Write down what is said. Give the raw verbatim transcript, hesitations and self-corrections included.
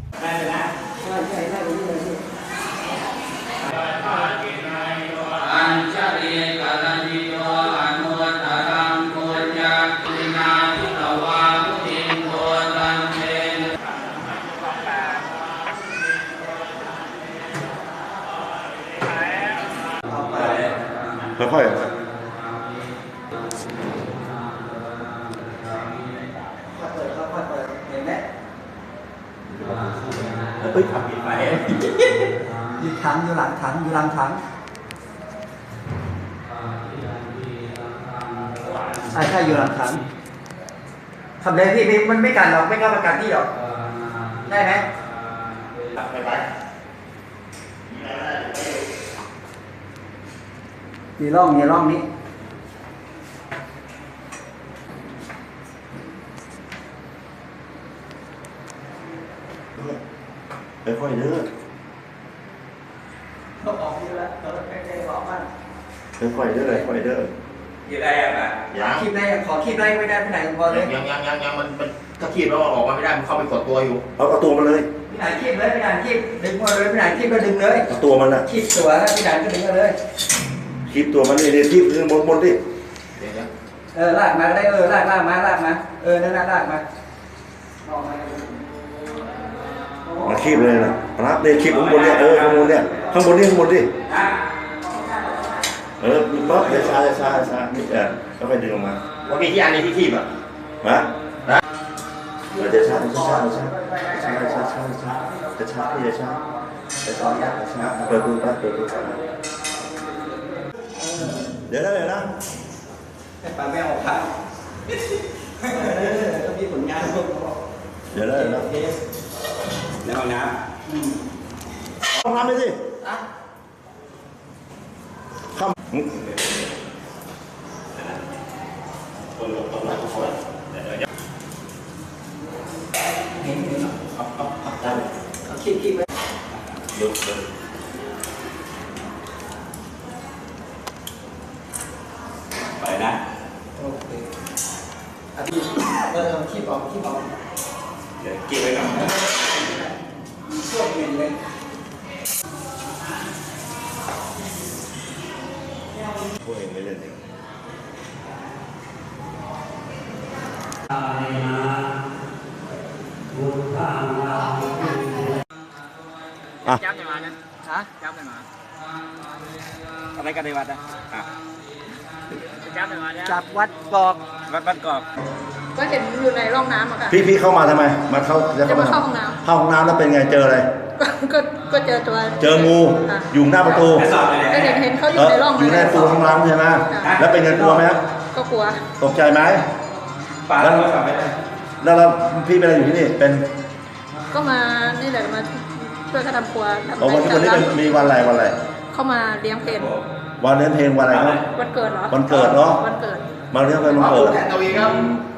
ได้เลยนะใช่ใช่ได้เลยเลยอัญชลีกาลนิโยอนุตตรังปุญญาตินาทิตวามุตินโตตันเตค่อยๆเฮ้ยทำผิดไปอยู่ถังอยู่หลังถังอยู่หลังถังใช่ใช่อยู่หลังถังทำเลยพี่มันไม่กันหรอกไม่กล้าประกันที่หรอกได้ไหมไปไปมีร่องมีร่องนี้ค่อยๆเด้อเขาออกอยู่แล้วเขาใกล้ๆออกบ้านค่อยๆเด้อค่อยๆเด้ออยู่ได้ยังไงยังคีบได้ขอคีบได้ไม่ได้ไปไหนพอเลยยังยังยังยังมันมันถ้าคีบแล้วออกมาไม่ได้มันเข้าไปกดตัวอยู่เอาเอาตัวมาเลยพี่ไหนคีบเลยพี่ไหนคีบดึงมาเลยพี่ไหนคีบก็ดึงเลยเอาตัวมันน่ะคีบตัวแล้วพี่ไหนก็ดึงมาเลยคีบตัวมันนี่เดี๋ยวคีบดึงบนบนดิเออลากมาได้เออลากลากมาลากมาเออนั่นน่ะลากมามาคีบเลยนะรับเนี่ยคีบข้างบนเนี่ยเออข้างบนเนี่ยข้างบนนี่ข้างบนดิเออปั๊บเดี๋ยวช้าเดี๋ยวช้าช้านี่เออแล้วค่อยดึงออกมาว่ามีที่อันนี้ที่คีบอ่ะมาเดี๋ยวช้าเดี๋ยวช้าเดี๋ยวช้าช้าช้าช้าช้าจะช้าพี่จะช้าจะช้าจะช้าเปิดดูปั๊บเปิดดูเดี๋ยวนะเดี๋ยวนะให้ปลาแมวออกข่าวต้องมีผลงานเดี๋ยวนะเดี๋ยวนะในห้องน้ำห้องน้ำไปสิข้ามเห็นเห็นเอาเอาเอาได้เอาคิดคิดไว้ยกเลยไปนะโอเคเอาที่เออคิดออกคิดออกเดี๋ยวกินไว้ก่อนช่วงเย็นเลยพวกเองไม่เล่นเองอ่ะจับยังไงนะฮะจับยังไงอะไรกันในวัดนะจับยังไงนะจับวัดกอกวัดบ้านกอกก็เห็นอยู่ในร่องน้ำอะค่ะพี่พี่เข้ามาทำไมมาเข้าจะเข้าห้องน้ำเข้าห้องน้ำแล้วเป็นไงเจออะไรก็ก็เจอตัวเจองูอยู่หน้าประตูก็เห็นเห็นเขาอยู่ในร่องอยู่ในประตูห้องน้ำใช่ไหมแล้วเป็นไงกลัวไหมก็กลัวตกใจไหมแล้วแล้วแล้วพี่เป็นอะไรอยู่ที่นี่เป็นก็มานี่แหละมาช่วยเขาทำครัวทำวันวันนี้เป็นมีวันอะไรวันอะไรเข้ามาเลี้ยงเพลนวันเลี้ยงเพลนวันอะไรครับวันเกิดเหรอวันเกิดเนาะวันเกิดมาเลี้ยงเพลนวันเกิดตัวเองครับ